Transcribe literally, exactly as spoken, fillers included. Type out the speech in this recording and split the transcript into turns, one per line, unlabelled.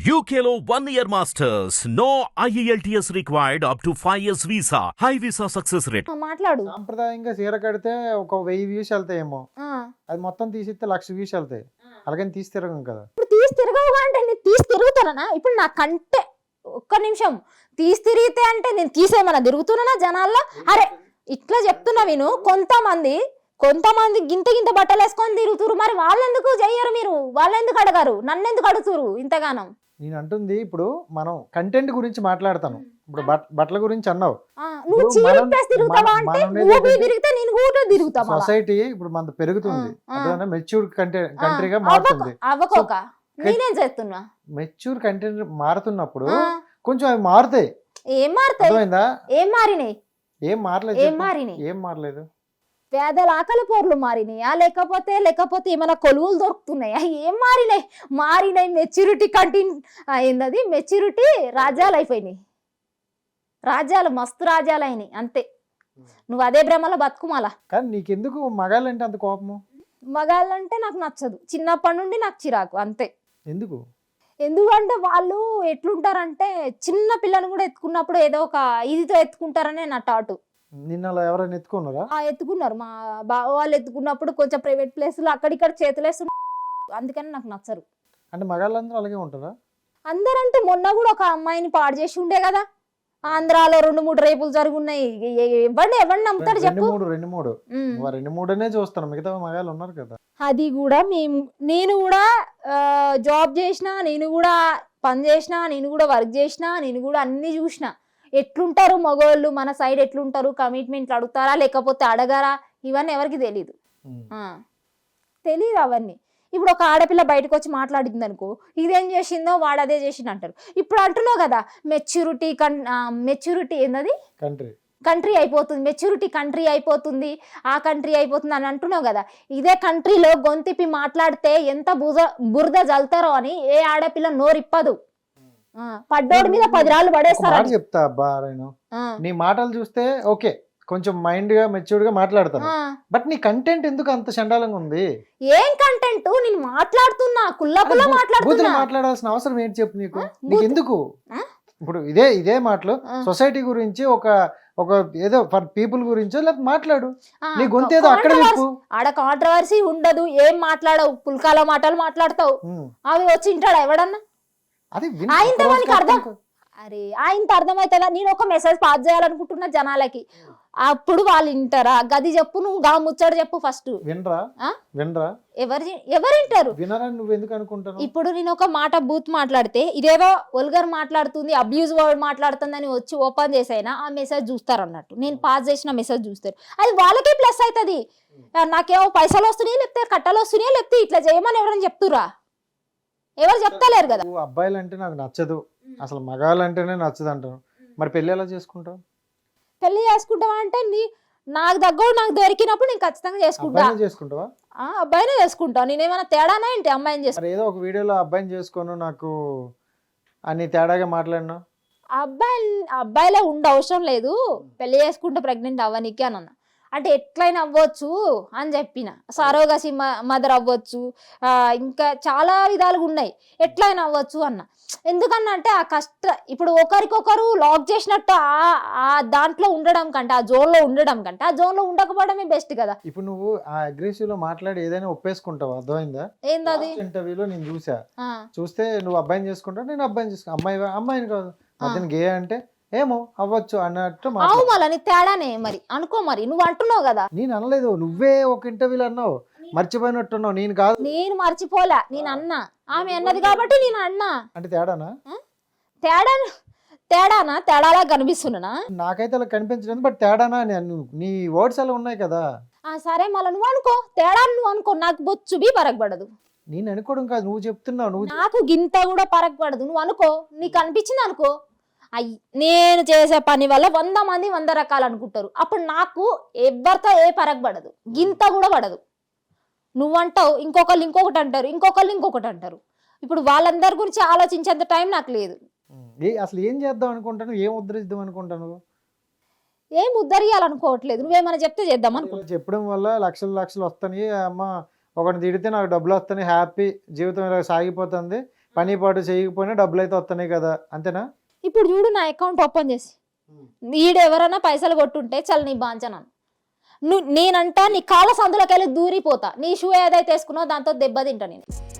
U K లో one year masters. No I E L T S required up to five years visa. High visa success rate.
ఆ, మాట్లాడు
సాంప్రదాయంగా చీర కడితే ఒక వెయ్యి వ్యూస్ వెళ్తాయేమో,
ఆ.
అది మొత్తం తీసిస్తే లక్ష వ్యూస్ వెళ్తాయి. అలాగని తీసి తిరగం కదా.
ఇప్పుడు తీసి తిరగవుగా అంటే నేను తీసి తిరుగుతానా? ఇప్పుడు నాకంటే ఒక్క నిమిషం తీసి తిరిగితే అంటే నేను తీసేమన్నా తిరుగుతున్నానా జనాల్లో? అరే ఇట్లా చెప్తున్నా విను. కొంతమంది కొంతమంది గింత గింత బట్టలు వేసుకొని తిరుగుతురు, మరి వాళ్ళెందుకు చెయ్యరు? మీరు వాళ్ళెందుకు అడగారు? నన్నెందుకు అడుగుతురు ఇంతగానం?
నేను అంటుంది ఇప్పుడు మనం కంటెంట్ గురించి మాట్లాడతాను. ఇప్పుడు బట్ బట్టల గురించి అన్నావు.
ఆ, నువ్వు
ఇప్పుడు
చీర
మనం-
ఇప్పేసి తిరుగుతావా
మనం-
అంటే
మనం
నువ్వు
ఏంటంటే
తిరిగితే నేను కూడా తిరుగుతా మళ్ళా.
సొసైటీ ఇప్పుడు మన పెరుగుతుంది,
ఆ, ఆ.
మెచ్యూర్ కంటే
ఆ,
కంట్రీగా
అవ్వక-
మారుతుంది.
అవ్వకోక నేనేం చేస్తున్నా?
మెచ్యూర్ కంటెంట్ మారుతున్నప్పుడు
ఆ,
కొంచెం అవి మారుతాయి.
ఏం మారుతాయి?
అర్థమైందా?
ఏం మారినాయి?
ఏం మారలేదు
ఏం
చెప్పు.
మారినాయి?
ఏం మారలేదు.
పేదల ఆకలి పోర్లు మారినాయా, లేకపోతే లేకపోతే ఏమైనా కొలువులు దొరుకుతున్నాయా? ఏం మారినాయి? మారినాయి మెచ్యూరిటీ కంటిన్ ఏందది మెచ్యూరిటీ రాజ్యాలు అయిపోయినాయి. రాజ్యాలు మస్తు రాజ్యాలు అయినాయి అంతే. నువ్వు అదే భ్రమలో బతుకుమాలా.
కానీ నీకెందుకు మగాళ్ళంటే అంత కోపము?
మగాళ్ళంటే నాకు నచ్చదు, చిన్నప్పటి నుండి నాకు చిరాకు అంతే.
ఎందుకు?
ఎందుకంటే వాళ్ళు ఎట్లుంటారంటే చిన్న పిల్లని కూడా ఎత్తుకున్నప్పుడు ఏదో ఒక ఇదితో ఎత్తుకుంటారనే నా టాటు.
నిన్న అలా ఎవరైనా ఎత్తుకున్నారా?
ఆ ఎత్తుకున్నారు, మా బావ వాళ్ళు ఎత్తుకున్నప్పుడు కొంచెం ప్రైవేట్ ప్లేస్లో అక్కడిక్కడ చేతులేస్తున్నారు, అందుకని నాకు నచ్చరు.
అంటే మగాళ్ళందరూ అలాగే ఉంటారా?
అందరంటే మొన్న కూడా ఒక అమ్మాయిని పాడు చేసి ఉండే కదా, ఆంధ్రాలో రెండు మూడు రేపులు జరుగున్నాయి. ఎవరిని ఎవరిని నమ్ముతాడు
రెండు
చెప్పు?
మూడు రెండు మూడు
ఉమ్.
మరి రెండు మూడునే చూస్తాను, మిగతా మగాళ్ళు ఉన్నారు కదా.
అది కూడా మేము నేను కూడా జాబ్ చేసిన, నేను కూడా పని చేసిన, నేను కూడా వర్క్ చేసిన, నేను కూడా అన్ని చూసిన. ఎట్లుంటారు మగవాళ్ళు, మన సైడ్ ఎట్లుంటారు, కమిట్మెంట్లు అడుగుతారా లేకపోతే అడగారా, ఇవన్నీ ఎవరికి తెలీదు.
ఉమ్.
ఆ, తెలీదు అవన్నీ. ఇప్పుడు ఒక ఆడపిల్ల బయటకు వచ్చి మాట్లాడింది అనుకో, ఇదేం చేసిందో వాడు అదే చేసిండు అంటారు. ఇప్పుడు అంటున్నావు కదా మెచ్యూరిటీ కన్ మెచ్యూరిటీ ఏందది
కంట్రీ
కంట్రీ అయిపోతుంది, మెచ్యూరిటీ కంట్రీ అయిపోతుంది, ఆ కంట్రీ అయిపోతుంది అని అంటున్నావు కదా. ఇదే కంట్రీలో గొంతిప్పి మాట్లాడితే ఎంత బురద బురద జల్తారో అని ఏ ఆడపిల్ల నోరిప్పదు. ఆ, పడ్డోడి మీద పది రాళ్ళు
ఒక
పడేస్తారు.
మాట చెప్తా అబ్బా నేను, నీ మాటలు చూస్తే ఓకే కొంచెం మైండ్ గా మెచ్యూర్డ్ గా మాట్లాడతాను, బట్ నీ కంటెంట్ ఎందుకు అంత చండాలంగా ఉంది?
ఏం కంటెంట్? నేను మాట్లాడుతున్నా, కుల్ల కుల్ల
బూతులు
మాట్లాడుతున్నా.
మాట్లాడాల్సిన అవసరం ఏంటి చెప్పు నీకు?
ఆ?
నీకు
బూతు-
ఎందుకు?
ఆ?
ఇప్పుడు ఇదే ఇదే మాటలు
ఆ.
సొసైటీ గురించి ఒక ఒక ఏదో ఫర్ పీపుల్ గురించో లేకపోతే మాట్లాడు.
ఆ,
నీ గొంతు ఏదో అక్కడ
కాంట్రవర్సీ-
చెప్పు.
ఆడ కాంట్రవర్సీ ఉండదు, ఏం మాట్లాడవు, పుల్కాల మాటలు మాట్లాడతావు.
ఉమ్.
అవి వచ్చి ఇంటాడా ఎవడన్నా?
అది విన్-
ఆయనతో
ఒక
మనకి
రోజుకి
అర్థం
అర్థం
అరే ఆయనతో అర్థమవుతుందా? నేను ఒక మెసేజ్ పాస్ చేయాలనుకుంటున్నా జనాలకి, అప్పుడు వాళ్ళు వింటారా? గది చెప్పు, నువ్వు గా ముచ్చడు చెప్పు ఫస్ట్.
వినరా?
ఆ?
వినరా?
ఎవరు ఎవరు వింటారు?
వినరా? నువ్వు ఎందుకు అనుకుంటాను?
ఇప్పుడు నేను ఒక మాట బూత్ మాట్లాడితే ఇదేదో వల్గర్ మాట్లాడుతుంది, అబ్యూజ్ వర్డ్ మాట్లాడుతుంది అని వచ్చి ఓపెన్ చేసైనా ఆ మెసేజ్ చూస్తారు అన్నట్టు. నేను పాస్ చేసిన మెసేజ్ చూస్తారు, అది వాళ్ళకే ప్లస్ అవుతుంది. నాకేమో పైసలు వస్తున్నాయి, లేకపోతే కట్టలు వస్తున్నాయి, లేకపోతే ఇట్లా చేయమని ఎవరైనా చెప్తురా? ఎవరు చెప్తలేరు కదా.
నువ్వు అబ్బాయిలు అంటే నాకు నచ్చదు, అసలు మగాళ్ళు అంటేనే నచ్చదు అంటాను. మరి పెళ్లి ఎలా చేసుకుంటావు?
పెళ్లి చేసుకుంటావా అంటే నీ నాకు దగ్గర నాకు దొరికినప్పుడు నేను ఖచ్చితంగా చేసుకుంటా.
అబ్బాయిని చేసుకుంటావా?
ఆ, అబ్బాయినే చేసుకుంటా. నేనేమైనా తేడానా ఏంటి అమ్మాయిని చేసుకుంటా?
మరి ఏదో ఒక వీడియోలో అబ్బాయిని చేసుకోను నాకు అని తేడాగా మాట్లాడినా.
అబ్బాయి అబ్బాయిలే ఉండ అవసరం లేదు, పెళ్లి చేసుకుంటే ప్రెగ్నెంట్ అవ్వనీకి అని అన్న. అంటే ఎట్లయినా అవ్వచ్చు అని చెప్పిన. సరోగసి మదర్ అవ్వచ్చు, ఆ, ఇంకా చాలా విధాలుగా ఉన్నాయి, ఎట్లయినా అవ్వచ్చు అన్న. ఎందుకన్నా అంటే ఆ కష్ట ఇప్పుడు ఒకరికొకరు లాక్ చేసినట్టు ఆ ఆ దాంట్లో ఉండడం కంటే, ఆ జోన్లో ఉండడం కంటే ఆ జోన్లో ఉండకపోవడమే బెస్ట్ కదా.
ఇప్పుడు నువ్వు ఆ అగ్రెసివ్ లో మాట్లాడి ఏదైనా ఒప్పేసుకుంటావు, అర్థమైందా?
ఏందది?
ఇంటర్వ్యూలో నేను చూసా,
ఆ,
చూస్తే నువ్వు అబ్బాయిని చేసుకుంటావు, నేను అబ్బాయిని చేసుకుంటా. అమ్మాయి అమ్మాయిని కాదు, అతను గే అంటే ఏమో అవ్వచ్చు అన్నట్టు
అవు
మాట్లాడు.
మళ్ళీ నీ తేడానే మరి అనుకో. మరి నువ్వు అంటున్నావు కదా,
నేను అనలేదు, నువ్వే ఒక ఇంటర్వ్యూలో అన్నావు, మర్చిపోయినట్టున్నావు. నేను కాదు.
నేను మర్చిపోలే, నేను అన్నా, ఆమె అన్నది కాబట్టి నేను అన్నా.
అంటే తేడానా?
తేడా తేడానా? తేడాలా కనిపిస్తున్నా?
నాకైతే అలా కనిపించలేదు, బట్ తేడానా అని అను. నీ వర్డ్స్ అలా ఉన్నాయి కదా.
ఆ సరే మళ్ళీ నువ్వు అనుకో, తేడా నువ్వు అనుకో, నాకు బొచ్చు బి పరగబడదు.
నేను అనుకోవడం కాదు, నువ్వు చెప్తున్నావు. నువ్వు
నాకు గింత కూడా పరగబడదు, నువ్వు అనుకో, నీకు అనిపించింది అనుకో. అయ్యి నేను చేసే పని వల్ల వంద మంది వంద రకాలు అనుకుంటారు, అప్పుడు నాకు ఎవరితో ఏ పరగబడదు, గింత కూడా పడదు. నువ్వంటావు, ఇంకొకళ్ళు ఇంకొకటి అంటారు, ఇంకొకళ్ళు ఇంకొకటి అంటారు. ఇప్పుడు వాళ్ళందరి గురించి ఆలోచించేంత టైం నాకు లేదు.
ఏ అసలు ఏం చేద్దాం అనుకుంటాను, ఏం ఉద్ధరిద్దాం అనుకుంటాను?
ఏం ఉద్ధరియాలనుకోవట్లేదు, నువ్వేమైనా చెప్తే చేద్దాం అనుకో.
చెప్పడం వల్ల లక్షలు లక్షలు వస్తాయి, అమ్మ ఒకటి తిడితే నాకు డబ్బులు వస్తాయి, హ్యాపీ జీవితం ఇలా సాగిపోతుంది, పని పాటు చేయకపోయినా డబ్బులు అయితే వస్తున్నాయి కదా, అంతేనా?
ఇప్పుడు చూడు నా అకౌంట్ ఓపెన్ చేసి ఈడు ఎవరైనా పైసలు కొట్టుంటే చల్ నీ బాంచనాను నువ్వు నేనంటా నీ కాళ్ళ సందులోకి వెళ్ళి దూరిపోతా, నీ షూ ఏదైతే వేసుకున్నావు దాంతో దెబ్బ తింటా నేను.